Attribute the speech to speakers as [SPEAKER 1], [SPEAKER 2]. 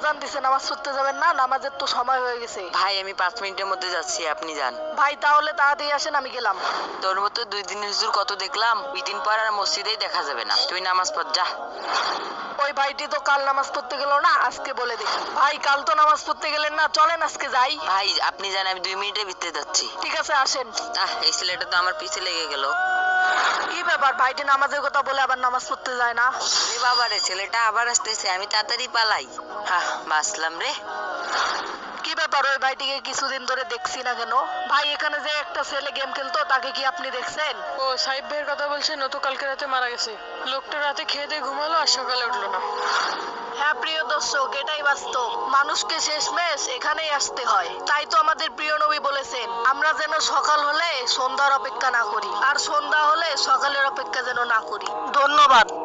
[SPEAKER 1] আজান দিছে, নামাজ পড়তে যাবেন না? নামাজের তো সময় হয়ে গেছে।
[SPEAKER 2] ভাই আমি 5 মিনিটের মধ্যে যাচ্ছি, আপনি যান।
[SPEAKER 1] ভাই তাহলে তাড়াতাড়ি আসেন, আমি গেলাম।
[SPEAKER 2] তোর মতো 2 দিনের হুজুর কত দেখলাম, 2 দিন পর আর মসজিদেই দেখা যাবে না। তুই নামাজ পড় যা।
[SPEAKER 1] ওই ভাইটি তো কাল নামাজ পড়তে গেল না, আজকে বলে দেখি। ভাই কাল তো নামাজ পড়তে গেলেন না, চলেন আজকে যাই।
[SPEAKER 2] ভাই আপনি যান, আমি 2 মিনিটের ভিতরে যাচ্ছি।
[SPEAKER 1] ঠিক আছে আসেন।
[SPEAKER 2] এই ছেলেটা তো আমার পিছে লেগে গেল।
[SPEAKER 1] কি ব্যাপার, ভাইটি নামাজের কথা বলে আবার নামাজ পড়তে যায় না?
[SPEAKER 2] রে বাবা রে, ছেলেটা আবার আসতেছে, আমি তাড়াতাড়ি পালাই। বাঁচলাম রে।
[SPEAKER 1] কি ব্যাপার, ওই ভাইটিকে কিছুদিন ধরে দেখছি না কেন? ভাই এখানে যে একটা ছেলে গেম খেলতো, তাকে কি আপনি দেখছেন?
[SPEAKER 3] ও সাহেব ভাইয়ের কথা বলছেন, ও তো কালকে রাতে মারা গেছে। লোকটা রাতে খেয়ে দিয়ে ঘুমালো আর সকালে উঠলো না।
[SPEAKER 1] হ্যাঁ প্রিয় দর্শক, এটাই বাস্তব। মানুষকে শেষমেশ এখানেই আসতে হয়। তাই তো আমাদের প্রিয় নবী বলেছেন, আমরা যেন সকাল হলে সন্ধ্যার অপেক্ষা না করি, আর সন্ধ্যা হলে সকালের অপেক্ষা যেন না করি। ধন্যবাদ।